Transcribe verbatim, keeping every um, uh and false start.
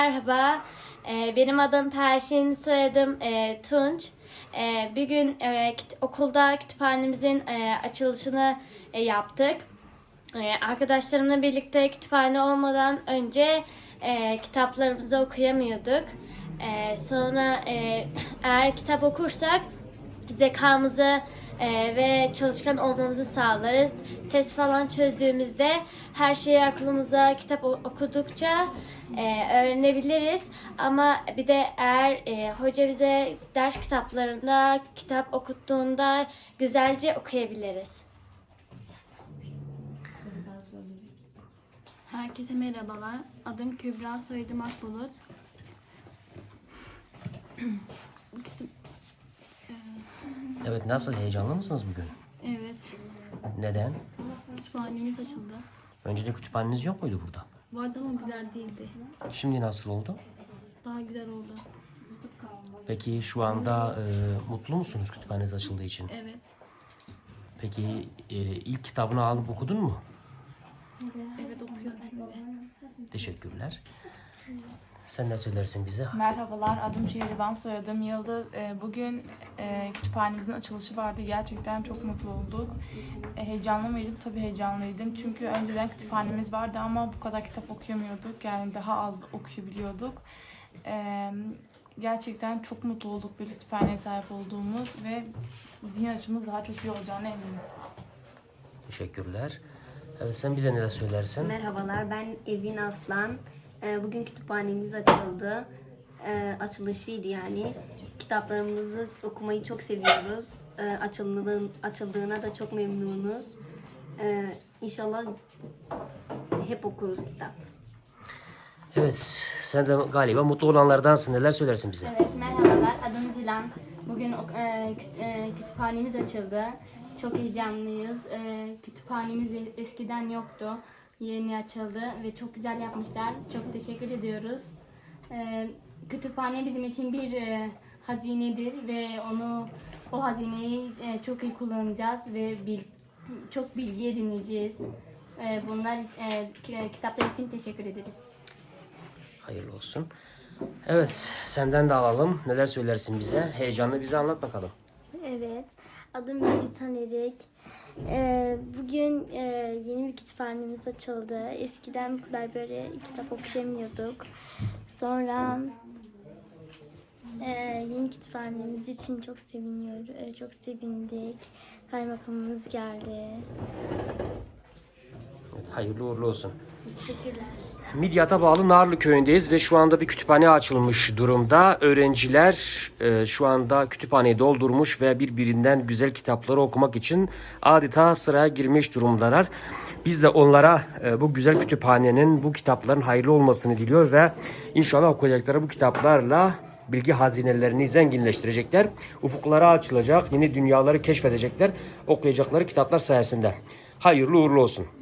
Merhaba, e, benim adım Perşin, soyadım e, Tunç. E, bir gün e, kit- okulda kütüphanemizin e, açılışını e, yaptık. E, arkadaşlarımla birlikte kütüphane olmadan önce e, kitaplarımızı okuyamıyorduk. E, sonra e, eğer kitap okursak zekamızı e, ve çalışkan olmamızı sağlarız. Test falan çözdüğümüzde her şeyi aklımıza kitap o- okudukça e, öğrenebiliriz. Ama bir de eğer e, hoca bize ders kitaplarında kitap okuttuğunda güzelce okuyabiliriz. Herkese merhabalar. Adım Kübra, soyadım Akbulut. Bu kitap... Evet, nasıl, heyecanlı mısınız bugün? Evet, Neden? kütüphanemiz açıldı. Önceden kütüphaneniz yok muydu burada? Vardı ama güzel değildi. Şimdi nasıl oldu? Daha güzel oldu. Peki şu anda e, mutlu musunuz kütüphaneniz açıldığı için? Evet, Peki e, ilk kitabını alıp okudun mu? evet okuyorum şimdi. Teşekkürler. Sen ne söylersin bize? Merhabalar, adım Şehriban, soyadım Yıldız. Ee, Bugün e, kütüphanemizin açılışı vardı. Gerçekten çok mutlu olduk. E, Heyecanlı mıydım? Tabii heyecanlıydım. Çünkü önceden kütüphanemiz vardı ama bu kadar kitap okuyamıyorduk. Yani daha az okuyabiliyorduk. E, Gerçekten çok mutlu olduk bir kütüphaneye sahip olduğumuz ve zihin açımız daha çok iyi olacağına eminim. Teşekkürler. Evet, sen bize neler söylersin? Merhabalar, ben Evin Aslan. Ee, Bugün kütüphanemiz açıldı. Ee, Açılışıydı yani. Kitaplarımızı okumayı çok seviyoruz. Ee, Açıldığın, açıldığına da çok memnunuz. Ee, İnşallah hep okuruz kitap. Evet, sen de galiba mutlu olanlardansın. Neler söylersin bize? Evet, merhabalar. Adım Zilan. Bugün ok- e, küt- e, kütüphanemiz açıldı. Çok heyecanlıyız. E, kütüphanemiz e- eskiden yoktu. Yeni açıldı ve çok güzel yapmışlar. Çok teşekkür ediyoruz. E, kütüphane bizim için bir e, hazinedir ve onu o hazineyi e, çok iyi kullanacağız ve bil, çok bilgi edineceğiz. E, bunlar e, ki- kitaplar için teşekkür ederiz. Hayırlı olsun. Evet, senden de alalım. Neler söylersin bize? Heyecanlı bize anlat bakalım. Evet, adım Melitan Erik. Ee, bugün e, yeni bir kütüphanemiz açıldı. Eskiden bu kadar böyle kitap okuyamıyorduk. Sonra e, yeni kütüphanemiz için çok seviniyoruz, e, çok sevindik. Kaymakamımız geldi. Evet, hayırlı uğurlu olsun. Teşekkürler. Midyat'a bağlı Narlı köyündeyiz ve şu anda bir kütüphane açılmış durumda. Öğrenciler e, şu anda kütüphaneyi doldurmuş ve birbirinden güzel kitapları okumak için adeta sıraya girmiş durumdalar. Biz de onlara e, bu güzel kütüphanenin, bu kitapların hayırlı olmasını diliyor ve inşallah okuyacakları bu kitaplarla bilgi hazinelerini zenginleştirecekler. Ufuklara açılacak, yeni dünyaları keşfedecekler okuyacakları kitaplar sayesinde. Hayırlı uğurlu olsun.